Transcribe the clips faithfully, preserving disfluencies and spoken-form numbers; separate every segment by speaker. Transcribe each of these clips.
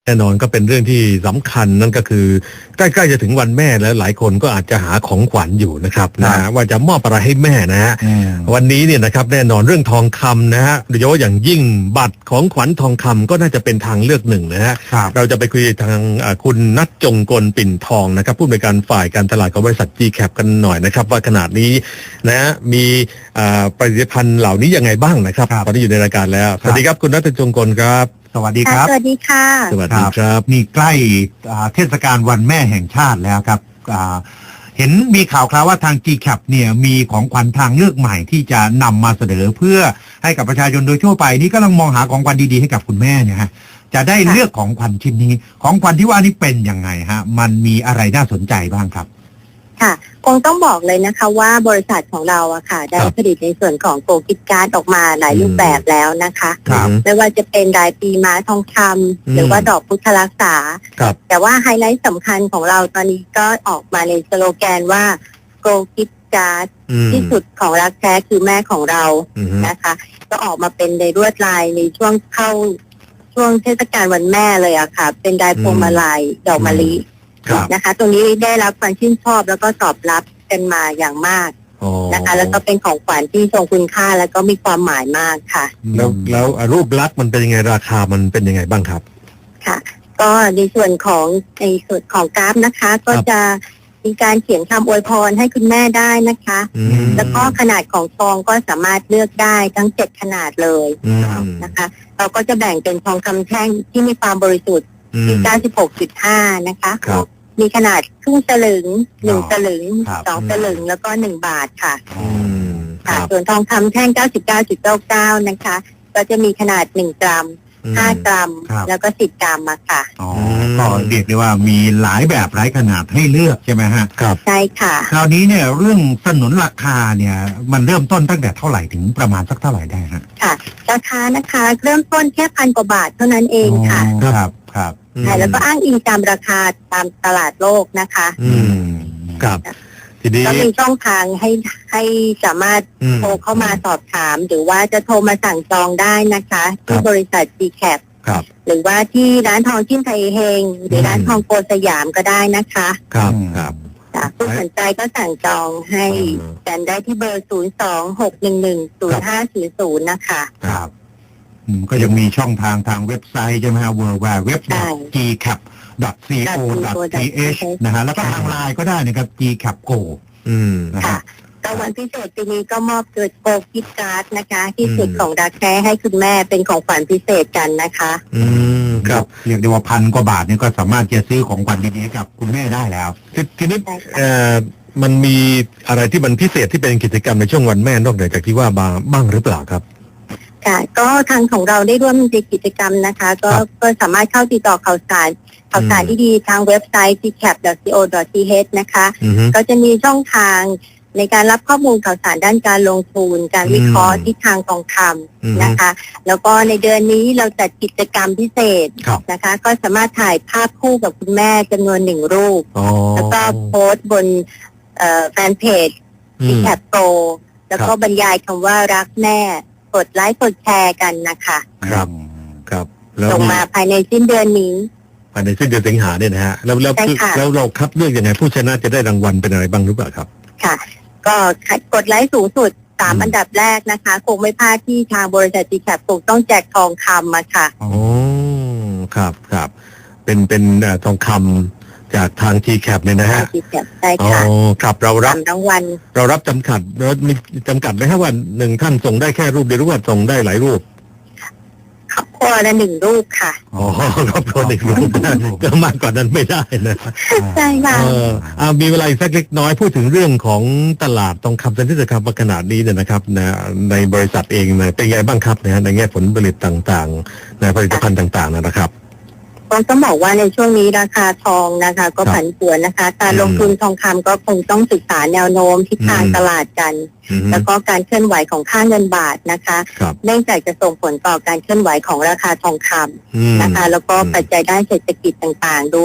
Speaker 1: แน่นอนก็เป็นเรื่องที่สำคัญนั่นก็คือใกล้ๆจะถึงวันแม่แล้วหลายคนก็อาจจะหาของขวัญอยู่นะครับนะว่าจะมอบอะไรให้แม่นะฮะวันนี้เนี่ยนะครับแน่นอนเรื่องทองคำนะฮะโดยเฉพาะอย่างยิ่งบัตรของขวัญทองคำก็น่าจะเป็นทางเลือกหนึ่งนะฮะเราจะไปคุยทางคุณณัฐ จงกลปิ่นทองนะครับผู้อำนวยการฝ่ายการตลาดของบริษัท จี แคป กันหน่อยนะครับว่าขนาดนี้นะมีผลิตภัณฑ์เหล่านี้ยังไงบ้างนะครับตอนนี้อยู่ในรายการแล้วสวัสดีครับคุณณัฐ จงกลครับ
Speaker 2: สวัสดีครับ
Speaker 3: สวัสดีค่ะ
Speaker 1: สวัสดีครับ
Speaker 2: นี่ใกล้เทศกาลวันแม่แห่งชาติแล้วครับเห็นมีข่าวคราวว่าทาง จี แคป เนี่ยมีของขวัญทางเลือกใหม่ที่จะนำมาเสนอเพื่อให้กับประชาชนโดยทั่วไปนี่ก็กำลังมองหาของขวัญดีๆให้กับคุณแม่เนี่ยฮะจะได้เลือกของขวัญชิ้นนี้ของขวัญที่ว่านี่เป็นยังไงฮะมันมีอะไรน่าสนใจบ้างครับ
Speaker 3: ค่ะคงต้องบอกเลยนะคะว่าบริษัทของเราอะค่ะได้ผลิตในส่วนของโกกิฟต์การ์ดออกมาหลายรูปแบบแล้วนะคะไม่ว่าจะเป็นรายปีม้าทองคำหรือว่าดอกพุทธรักษาแต่ว่าไฮไลท์สำคัญของเราตอนนี้ก็ออกมาในสโลแกนว่าโกกิฟต์การ์ดที่สุดของรักแท้คือแม่ของเรานะคะก็ออกมาเป็นในลวดลายในช่วงเข้าช่วงเทศกาลวันแม่เลยอะค่ะเป็นลายพวงมาลัยดอกมะลินะคะตรงนี้ได้รับความชื่นชอบแล้วก็ตอบรับกันมาอย่างมากนะคะแล้วก็เป็นของขวัญที่ทรงคุณค่าแล้วก็มีความหมายมากค่ะ
Speaker 1: แล้วแล้วรูปลักษณ์มันเป็นยังไงราคามันเป็นยังไงบ้างครับ
Speaker 3: ค่ะก็ในส่วนของในส่วนของกราฟนะคะก็จะมีการเขียนคำอวยพรให้คุณแม่ได้นะคะแล้วก็ขนาดของทองก็สามารถเลือกได้ทั้งเจ็ดขนาดเลยนะคะเราก็จะแบ่งเป็นทองคำแท่งที่มีความบริสุทธิ์ที่ เก้าสิบหกจุดห้า นะคะมีขนาดครึ่งสลึงหนึ่งสลึงสองสลึงแล้วก็หนึ่งบาทค่ะค่ะส่วนทองคำแท่ง เก้าสิบเก้าจุดเก้าเก้า นะคะก็จะมีขนาดหนึ่งกรัมห้ากรัมแล้วก็สิบกรัมมาค่ะ
Speaker 2: อ๋อก็เรียกได้ว่ามีหลายแบบหลายขนาดให้เลือกใช่ไหมฮะ
Speaker 3: ครับใช่ค่ะ
Speaker 2: คราวนี้เนี่ยเรื่องสนนราคาเนี่ยมันเริ่มต้นตั้งแต่เท่าไหร่ถึงประมาณสักเท่าไหร่ได้ฮะ
Speaker 3: ค่ะราคานะคะเริ่มต้นแค่พันกว่าบาทเท่านั้นเองค่ะ
Speaker 2: ครับครับ
Speaker 3: ใช่แล้วก็อ้างอิงตามราคาตามตลาดโลกนะคะ
Speaker 1: อืมครับ
Speaker 3: ทีนี้ก็มีช่องทางให้ให้สามารถโทรเข้ามาสอบถามหรือว่าจะโทรมาสั่งจองได้นะคะที่บริษัท จี แคป หรือว่าที่ร้านทองชิ้นไทยเฮงหรือร้านทองโกสยามก็ได้นะคะ
Speaker 1: ครับครับ
Speaker 3: ผู้สนใจก็สั่งจองให้กันได้ที่เบอร์ศูนย์ สอง หก หนึ่ง หนึ่ง ศูนย์ ห้า ศูนย์ ศูนย์นะคะ
Speaker 2: ครับก็ยังมีช่องทางทางเว็บไซต์ใช่ไหมฮะ ดับเบิลยู ดับเบิลยู ดับเบิลยู ดอท จี แคป ดอท ซี โอ ดอท ที เอช นะฮะแล้วก็ทางไลน์ก็ได้นะครับ จี แคป โก
Speaker 1: อืม
Speaker 3: ค่ะก็วันพิเศษปีนี้ก็มอบเกิดโกกิฟต์การ์ดนะคะที่สุดของรักแท้ให้คุณแม่เป็นของขวัญพิเศษกันนะคะ
Speaker 2: อืมครับเรียกได้ว่าพันกว่าบาทนี่ก็สามารถจะซื้อของขวัญดีๆกับคุณแม่ได้แล้ว
Speaker 1: ทีนี้เอ่อมันมีอะไรที่มันพิเศษที่เป็นกิจกรรมในช่วงวันแม่นอกจากที่ว่าบ้างหรือเปล่าครับ
Speaker 3: ค่ะก็ทางของเราได้ร่วมในกิจกรรมนะคะก็ก็สามารถเข้าติดต่อข่าวสารข่าวสารที่ดีทางเว็บไซต์ จี แคป ดอท ซี โอ ดอท ที เอช นะคะก็จะมีช่องทางในการรับข้อมูลข่าวสารด้านการลงทุนการวิเคราะห์ทิศทางทองคำนะคะแล้วก็ในเดือนนี้เราจัดกิจกรรมพิเศษนะคะก็สามารถถ่ายภาพคู่กับคุณแม่จำนวนหนึ่งรูปแล้วก็โพสต์บนแฟนเพจ จี แคป โปร แล้วก็บรรยายคำว่ารักแม่กดไลค์กดแชร์กันนะคะ
Speaker 1: ครับครับ
Speaker 3: ส่งมาภายในสิ้นเดือนนี้
Speaker 1: ภายในสิ้นเดือนสิงหาเนี่ยนะฮะแล้วแล้วแล้วเราคัดเลือกยังไงผู้ชนะจะได้รางวัลเป็นอะไรบ้างหรือเปล่าครับ
Speaker 3: ค่ะก็กดไลค์สูงสุดสามอันดับแรกนะคะคงไม่พลาดที่ทางบริษัท จี แคป คงต้องแจกทองคำมาค่ะ
Speaker 1: อ๋อครับครับเป็นเป็นทองคำจากทาง จี แคป เนี่ยนะฮะ
Speaker 3: จี แคป ใช่ค่ะ
Speaker 1: อ๋อครับเรารับ
Speaker 3: รางวัล
Speaker 1: เรารับจำกัดเรามีจำกัดไหมครับว่าหนึ่งท่านส่งได้แค่รูปเดียวหรือว่าส่งได้หลายรูป
Speaker 3: ครอบครัวละหนึ่งรูปค่ะ
Speaker 1: อ๋อครอบครัวหนึ่งรูปก็มากกว่านั้นไม่ได้นะ
Speaker 3: ใช่ค่ะ
Speaker 1: เออเอามีเวลาอีกสักเล็กน้อยพูดถึงเรื่องของตลาดทองคำเซ็นทรัลคำขนาดนี้เนี่ยนะครับนะในบริษัทเองเนี่ยเป็นไงบ้างครับนะในแง่ผลผลิตต่างๆในผลิตภัณฑ์ต่างๆนะครับ
Speaker 3: ต้องบอกว่าในช่วงนี้ราคาทองนะคะก็ผันผวนนะคะการลงทุนทองคำก็คงต้องศึกษาแนวโน้มทิศทางตลาดกันแล้วก็การเคลื่อนไหวของค่าเงินบาทนะคะเนื่องจากจะส่งผลต่อการเคลื่อนไหวของราคาทองคำนะคะแล้วก็ปัจจัยด้านเศรษฐกิจต่างๆด้วย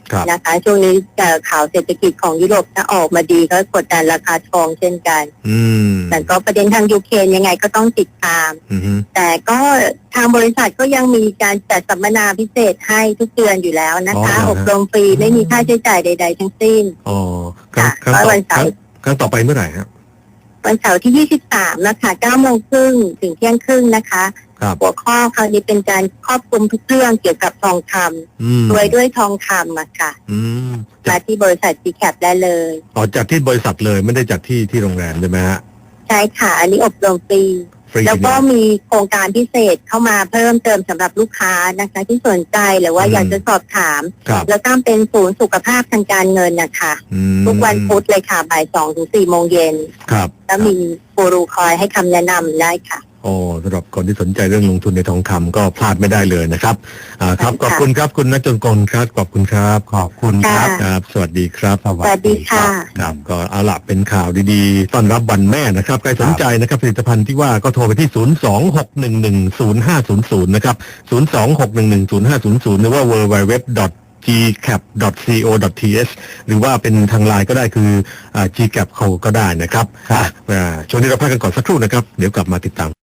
Speaker 1: ครับ
Speaker 3: นะคะช่วงนี้เอ่อข่าวเศรษฐกิจของยุโรปถ้าออกมาดีก็กดดันราคาทองเช่นกัน
Speaker 1: อืม
Speaker 3: แต่ก็ประเด็นทางยูเครนยังไงก็ต้องติดตาม
Speaker 1: อืม
Speaker 3: แต่ก็ทางบริษัทก็ยังมีการจัดสัมมนาพิเศษให้ทุกเดือนอยู่แล้วนะคะ
Speaker 1: อ๋อเหรอฮะ
Speaker 3: อบรมฟรีไม่มีค่าใช้จ่ายใด ๆ ทั้งสิ้น
Speaker 1: อ๋อครั้ง
Speaker 3: ค่ะ
Speaker 1: ครั้งต่อ
Speaker 3: ก็วันเสาร์
Speaker 1: ครั้งครั้งต่อไปเมื่อไหร่ครับ
Speaker 3: วันเสาร์ที่ ยี่สิบสาม นะคะเก้าโมงครึ่งถึงเที่ยงครึ่งนะคะ
Speaker 1: ครับ
Speaker 3: หัวข้อคราวนี้เป็นการครอบคลุมทุกเรื่องเกี่ยวกับทองค
Speaker 1: อืม
Speaker 3: ำรวยด้วยทองคำอะค่ะ
Speaker 1: อืม
Speaker 3: มา
Speaker 1: จาก
Speaker 3: ที่บริษัท จี แคป ได้เลย
Speaker 1: อ๋อจากที่บริษัทเลยไม่ได้จากที่ที่โรงแรมใช่ไหมฮะ
Speaker 3: ใช่ค่ะ อันนี้อบรมฟรี
Speaker 1: ฟรี
Speaker 3: แล้วก็
Speaker 1: เนี่ย
Speaker 3: มีโครงการพิเศษเข้ามาเพิ่มเติมสำหรับลูกค้านะคะ ที่สนใจหรือว่า
Speaker 1: อืม
Speaker 3: อยากจะสอบถาม
Speaker 1: ครับ
Speaker 3: แล้วก็เป็นศูนย์สุขภาพทางการเงินนะคะ
Speaker 1: อืม
Speaker 3: ทุกวันพุธเลยค่ะบ่ายสองถึงสี่โมงเย็น
Speaker 1: ครับ
Speaker 3: แล้วมีกูรูคอยให้คำแนะนำได้ค่ะ
Speaker 1: โอ้สำหรับคนที่สนใจเรื่องลงทุนในทองคำก็พลาดไม่ได้เลยนะครับอ่าครับ
Speaker 3: ใช่ค่ะ
Speaker 1: ขอบคุณครับคุณนัจจนกรครับขอบคุณครับ
Speaker 2: ขอบคุณครับ
Speaker 3: ค่ะ
Speaker 1: ครับ สวัสดีครับ
Speaker 3: สวัสดีค่ะ
Speaker 1: ครับก็เอาละเป็นข่าวดีๆต้อนรับวันแม่นะครับใครสนใจนะครับผลิตภัณฑ์ที่ว่าก็โทรไปที่ ศูนย์ สอง หก หนึ่ง หนึ่ง ศูนย์ ห้า ศูนย์ ศูนย์ นะครับ ศูนย์ สอง หก หนึ่ง หนึ่ง ศูนย์ ห้า ศูนย์ ศูนย์ หรือว่า ดับเบิลยู ดับเบิลยู ดับเบิลยู ดอท จี แคป ดอท ซี โอ ดอท ที เอช หรือว่าเป็นทางไลน์ก็ได้คืออ่า จี แคป ก็ได้นะครับ
Speaker 2: ครับ
Speaker 1: อ่าช่วงนี้เราพักกันก่อนสักครู่นะครับ เดี๋ยวกลับมาติดตาม